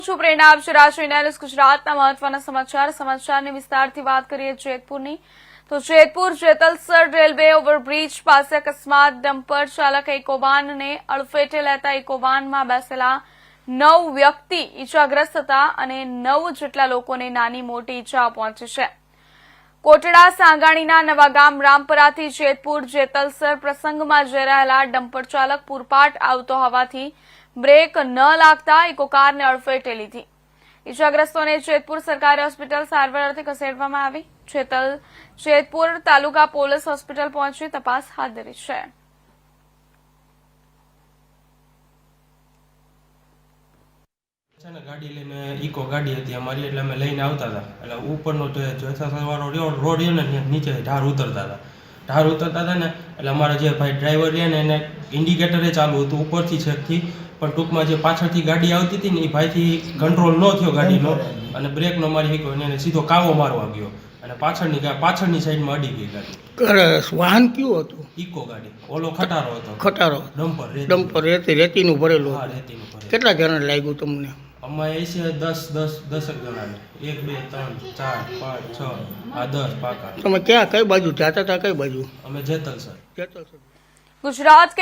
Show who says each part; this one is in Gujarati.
Speaker 1: છું પ્રેરણા આપ છો રાષ્ટ્રીય ન્યાયાલય ગુજરાતના મહત્વના સમાચારની વિસ્તારથી વાત કરીએ જેતપુરની તો જેતપુર જેતલસર રેલવે ઓવરબ્રિજ પાસે અકસ્માત ડમ્પર ચાલક ઇકોવાનને અડફેટે લેતા ઇકોવાનમાં બેસેલા 9 વ્યક્તિ ઈજાગ્રસ્ત હતા અને 9 જેટલા લોકોને નાની મોટી ઈજા પહોંચી છે। કોટડા સાંગાણીના નવાગામ રામપરાથી જેતપુર જેતલસર પ્રસંગમાં જઈ રહેલા ડમ્પર ચાલક પૂરપાટ આવતો હોવાથી બ્રેક ન લાગતા ઇકોકારને અડફેટે લીધી। ઈજાગ્રસ્તોને જેતપુર સરકારી હોસ્પિટલ સારવાર અર્થે ખસેડવામાં આવી। જેતપુર તાલુકા પોલીસ હોસ્પિટલ પહોંચી તપાસ હાથ ધરી છે।
Speaker 2: ગાડી લઈને ઇકો ગાડી હતી અમારી એટલે અમે લઈને આવતા હતા એટલે ઉપરનો જેતલસરવાળો રોડ રહ્યો ને નીચે ઢાર ઉતરતા હતા ને એટલે અમારા જે ભાઈ ડ્રાઈવર રહ્યા ને એને ઇન્ડિકેટરે ચાલુ હતું ઉપરથી છેકથી પણ ટૂંકમાં જે પાછળથી ગાડી આવતી હતી ને એ ભાઈથી કંટ્રોલ ન થયો ગાડીનો અને બ્રેકનો મારી ઇકો એને સીધો કાવો મારવા ગયો અને પાછળની સાઈડમાં અડી ગઈ ગાડી।
Speaker 3: વાહન કયું હતું?
Speaker 2: ઇકો ગાડી, ઓલો ખટારો હતો,
Speaker 3: ખટારો ડમ્પર રેતીનું ભરેલું
Speaker 2: હા
Speaker 3: હતું।
Speaker 2: રેતીનું ભરેલું।
Speaker 3: કેટલા જણા લાગ્યું તમને?
Speaker 2: અમારે એ છે 10 જણાને 1 2 3 4 5 6 આ 10 પાકા।
Speaker 3: તમે કઈ બાજુ જતા હતા? કઈ બાજુ?
Speaker 2: અમે જેતલસર।
Speaker 1: ગુજરાત